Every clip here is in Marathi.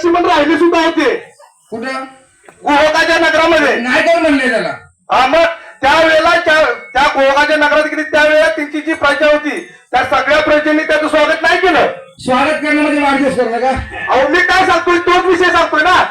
पण राहिले सुद्धा होते कुठं गोहोकाच्या नगरामध्ये. नाही कोण म्हणले त्याला? हा मग त्यावेळेला त्या गोहोकाच्या नगरात गेली त्यावेळेला त्यांची जी प्रजा होती त्या सगळ्या प्रजेने त्याचं स्वागत नाही केलं. स्वागत करणं म्हणजे वाढदिवस करणं का? अहो मी काय सांगतोय तोच विषय सांगतोय ना.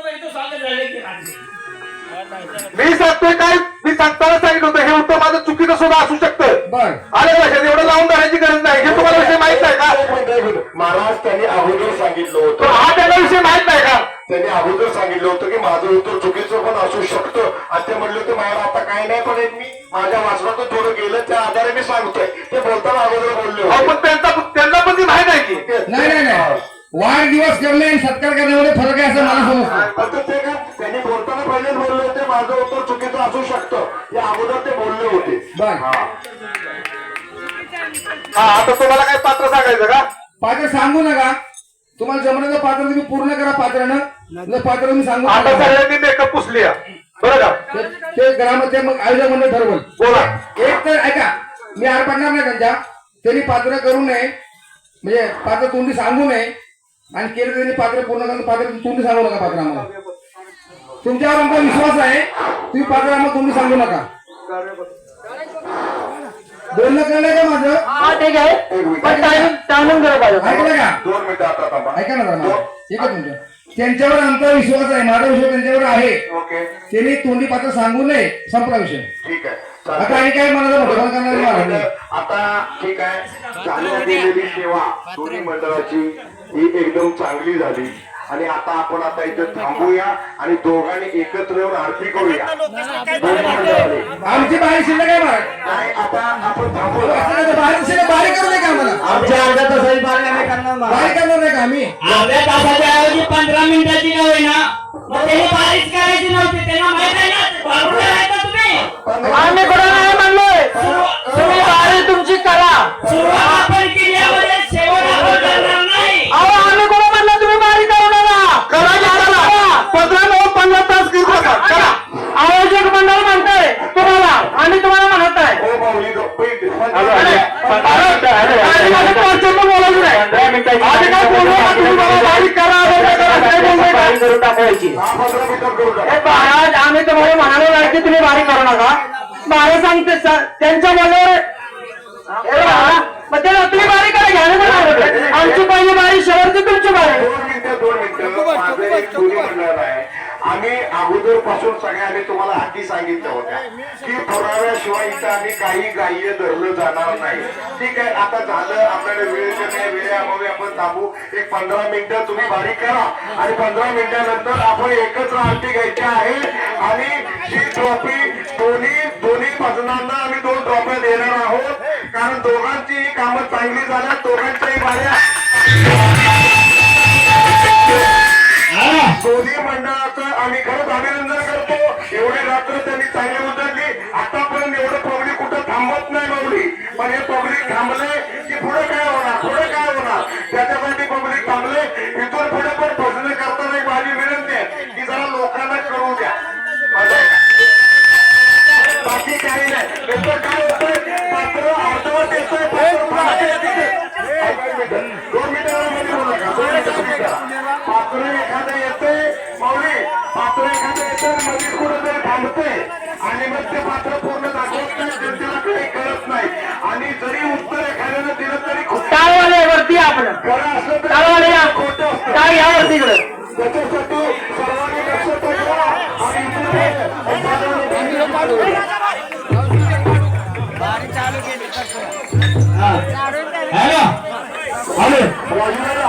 मी सांगतोय काय मी सांगताना सांगितलं होतं हे उत्तर माझं चुकीचं सुद्धा असू शकतं. बर आलं लक्षात एवढं लावून धरायची गरज नाही. हे तुम्हाला विषय माहित नाही का? महाराज त्यांनी अगोदर सांगितलं तर होतं, हा त्याला विषय माहित नाही का? त्यांनी अगोदर सांगितलं होतं की माझं उत्तर चुकीचं पण असू शकतं. आणि ते म्हणले होते महाराज आता काही नाही पण मी माझ्या वाचनातून थोडं गेलं त्या आधारे मी सांगतोय. ते बोलताना अगोदर बोलले अहो होते. पण त्यांना पण ती माहित आहे की नाही नाही नाही वाढदिवस करणे आणि सत्कार करण्यामध्ये फरक आहे असं मला समजतं. आता ते का त्यांनी बोलताना पहिलेच बोलले होते माझं उत्तर चुकीचं असू शकतं या अगोदर ते बोलले होते. बर हा आता तुम्हाला काय पात्र सांगायचं का? पात्र सांगू नका. तुम्हाला जमण्याचं पात्र तुम्ही पूर्ण करा पात्रानं. जर पात्र तुम्ही सांगू आता नका. सगळ्यांनी मेकअप पुसली बरं का? ते ग्रामचे मग आयोजक मंडळ ठरवल. बोला. एक तर ऐका मी आर पाडणार नाही त्यांच्या. त्यांनी पात्र करू नये म्हणजे पात्र तोंडी सांगू नये आणि केलं त्यांनी पात्र पूर्ण करून पात्र तोंडी सांगू नका. पात्र आम्हाला तुमच्यावर आमचा विश्वास आहे. तुम्ही पात्र आम्हाला तोंडी सांगू नका. बोलणं कळलंय का माझं? ठीक आहे पण टायमिंग दिलं पाहिजे. ऐकलं का? 2 मिनिटं आता थांबा. ऐका ना जरा मला. ठीक आहे तुमचं त्यांच्यावर आमचा विश्वास आहे. माझा विश्वास त्यांच्यावर आहे. ओके त्यांनी तोंडी पात्र सांगू नये. संपला विषय. ठीक आहे आता चालतंय. आणि काय मला मोठं करणार मला आता ठीक आहे झाल्या गेलेली सेवा दोन्ही मंडळाची ही एकदम चांगली झाली आणि आता इथे थांबूया आणि दोघांनी एकत्र येऊन आरती करूया. दोन्ही मंडळाने. आमची बाहेर शिल्लक आहे महाराज. नाही आता आपण थांबूया. बाहेर शिल्लक बाहेर करू नये का आम्हाला? आमच्या अर्ध्या तासाची पार्टी आम्ही करणार बाहेर करणार नाही का आम्ही? अर्ध्या तासाच्या ऐवजी 15 मिनिटाची का होईना मग त्यांनी बारीच करायची नव्हती. त्यांना माहित आहे ना बाळगून राहायचं तुम्ही. आम्ही कोणाला नाही म्हणलोय. तुम्ही बारी तुमची करा. सुरुवात आपण केल्यामध्ये शेवट आपण करणार नाही. अहो आम्ही कोणा म्हणलं तुम्ही बारी करू नका. करा की करा. 15 तास करा. आयोजक मंडळ म्हणतंय तुम्हाला आणि तुम्हाला म्हणत आहे. हो माऊली गप्पी बोलायचं नाही. आधी काय बोलू नका तुम्ही मला बारीक करा काय बोलतोय का? करून टाकायची. 15 मिनिटं करू हे टाका. महाराज आम्ही तुम्हाला म्हणालो नाही की तुम्ही बारी करू नका. बारी सांगते त्यांच्या बरोबर मग त्याला तुम्ही बारी करा घ्या. आमची पहिली बारी शेवटची तुमची बारी. 2 मिनिटं माझं एक दोन्ही मंडळ आहे. आम्ही अगोदर पासून सगळ्यांनी तुम्हाला आधी सांगितलं होत्या की पुराव्याशिवाय इथं आम्ही काही ग्राह्य धरलं जाणार नाही. ठीक आहे आता झालं आपल्याला वेळेच्या नाही वेळेअभावी आपण थांबू. एक 15 मिनिटं तुम्ही बारी करा आणि 15 मिनिटानंतर आपण एकत्र आरती घ्यायची आहे आणि ही ट्रॉफी दोन्ही भजनांना आम्ही 2 ट्रॉफ्या देणार आहोत. कारण दोघांची कामं चांगली झाल्यात. दोघांच्याही बाऱ्या दोन्ही मंडळाचं आम्ही खरंच अभिनंदन करतो. एवढी रात्र त्यांनी चांगली उतरली. आतापर्यंत एवढं पब्लिक कुठं थांबत नाही माऊली. पण हे पब्लिक थांबले की पुढे काय होणार त्याच्यासाठी पब्लिक थांबले. इथून पुढे पण भजन करताना एक माझी विनंती आहे की जरा लोकांना करू द्या. बाकी काही नाही. नंतर काय होतंय पात्र अर्धवट येतोय 2 मिनिटांमध्ये बोलू नका. 2 मिनिटं पात्र एखादं येते माऊली पात्र एखादं येते मध्ये कुठेतरी थांबते आणि मग ते पात्र पूर्ण दाखवत नाही. जनतेला काही कळत नाही आणि जरी उत्तर एखाद्यानं दिलं तरी वरती आपण खरं असलं तरी खोटं असतं. काय यावरती इकडे त्याच्यासाठी सर्वांनी लक्ष ठेवा आणि हॅलो वाजवायला